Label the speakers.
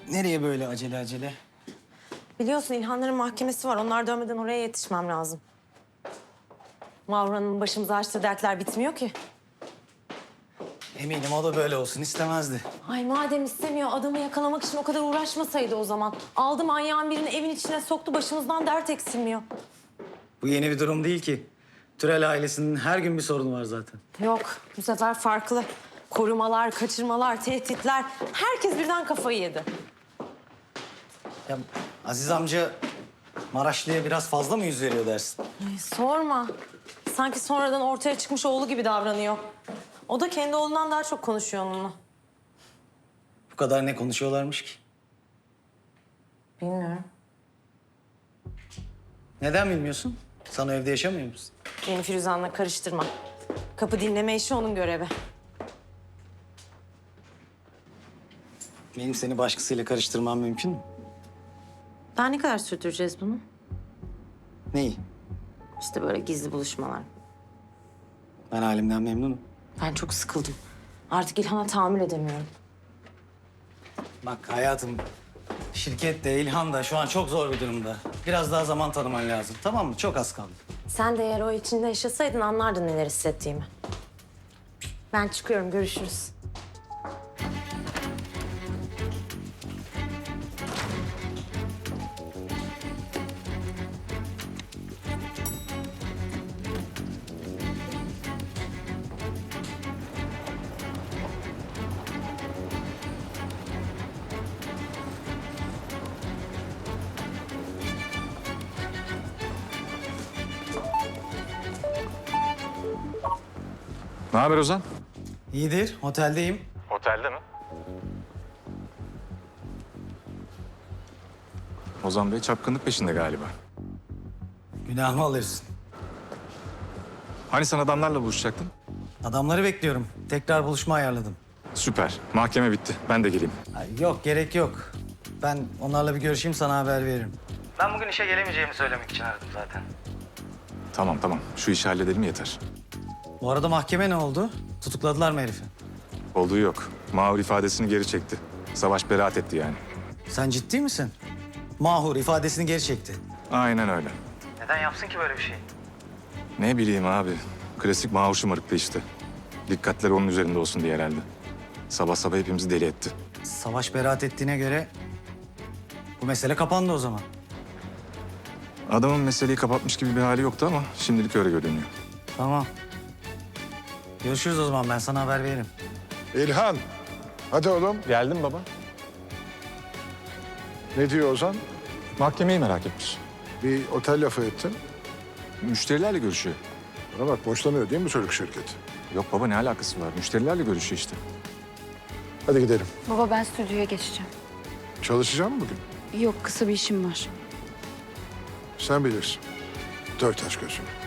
Speaker 1: Nereye böyle acele acele?
Speaker 2: Biliyorsun İlhanların mahkemesi var. Onlar dönmeden oraya yetişmem lazım. Mavra'nın başımıza açtığı dertler bitmiyor ki.
Speaker 1: Eminim o da böyle olsun istemezdi.
Speaker 2: Ay madem istemiyor adamı yakalamak için o kadar uğraşmasaydı o zaman. Aldı manyağın birini evin içine soktu, başımızdan dert eksilmiyor.
Speaker 1: Bu yeni bir durum değil ki. Türel ailesinin her gün bir sorunu var zaten.
Speaker 2: Yok, bu sefer farklı. Korumalar, kaçırmalar, tehditler. Herkes birden kafayı yedi.
Speaker 1: Ya Aziz amca Maraşlı'ya biraz fazla mı yüz veriyor dersin?
Speaker 2: Ay, sorma. Sanki sonradan ortaya çıkmış oğlu gibi davranıyor. O da kendi oğlundan daha çok konuşuyor onunla.
Speaker 1: Bu kadar ne konuşuyorlarmış ki?
Speaker 2: Bilmiyorum.
Speaker 1: Neden bilmiyorsun? Sen o evde yaşamıyor musun?
Speaker 2: Beni Firuzan'la karıştırma. Kapı dinleme işi onun görevi.
Speaker 1: Benim seni başkasıyla karıştırmam mümkün mü?
Speaker 2: Daha ne kadar sürdüreceğiz bunu?
Speaker 1: Neyi?
Speaker 2: İşte böyle gizli buluşmalar.
Speaker 1: Ben halimden memnunum.
Speaker 2: Ben çok sıkıldım. Artık İlhan'a tahammül edemiyorum.
Speaker 1: Bak hayatım, şirket de İlhan da şu an çok zor bir durumda. Biraz daha zaman tanıman lazım, tamam mı? Çok az kaldı.
Speaker 2: Sen de eğer o içinde yaşasaydın anlardın neler hissettiğimi. Ben çıkıyorum, görüşürüz.
Speaker 3: Ne haber Ozan?
Speaker 1: İyidir, oteldeyim.
Speaker 3: Otelde mi? Ozan Bey çapkınlık peşinde galiba.
Speaker 1: Günahımı alırsın.
Speaker 3: Hani sen adamlarla buluşacaktın?
Speaker 1: Adamları bekliyorum. Tekrar buluşma ayarladım.
Speaker 3: Süper. Mahkeme bitti. Ben de geleyim.
Speaker 1: Ay, yok, gerek yok. Ben onlarla bir görüşeyim, sana haber veririm. Ben bugün işe gelemeyeceğimi söylemek için aradım zaten.
Speaker 3: Tamam. Şu işi halledelim yeter.
Speaker 1: Bu arada mahkeme ne oldu? Tutukladılar mı herifi?
Speaker 3: Olduğu yok. Mahur ifadesini geri çekti. Savaş beraat etti yani.
Speaker 1: Sen ciddi misin? Mahur ifadesini geri çekti.
Speaker 3: Aynen öyle.
Speaker 1: Neden yapsın ki böyle bir şey?
Speaker 3: Ne bileyim abi. Klasik Mahur şımarıklığı işte. Dikkatleri onun üzerinde olsun diye herhalde. Sabah sabah hepimizi deli etti.
Speaker 1: Savaş beraat ettiğine göre bu mesele kapandı o zaman.
Speaker 3: Adamın meseleyi kapatmış gibi bir hali yoktu ama şimdilik öyle görünüyor.
Speaker 1: Tamam. Görüşürüz o zaman, ben sana haber veririm.
Speaker 4: İlhan, hadi oğlum.
Speaker 3: Geldim baba.
Speaker 4: Ne diyor Ozan?
Speaker 3: Mahkemeyi merak etmiş.
Speaker 4: Bir otel lafı ettin.
Speaker 3: Müşterilerle görüşüyor.
Speaker 4: Bana bak, boşlanıyor değil mi çocuk şirketi?
Speaker 3: Yok baba ne alakası var? Müşterilerle görüşüyor işte.
Speaker 4: Hadi gidelim.
Speaker 5: Baba ben stüdyoya geçeceğim.
Speaker 4: Çalışacağım mı bugün?
Speaker 5: Yok kısa bir işim var.
Speaker 4: Sen bilirsin. Dört aç gözünü.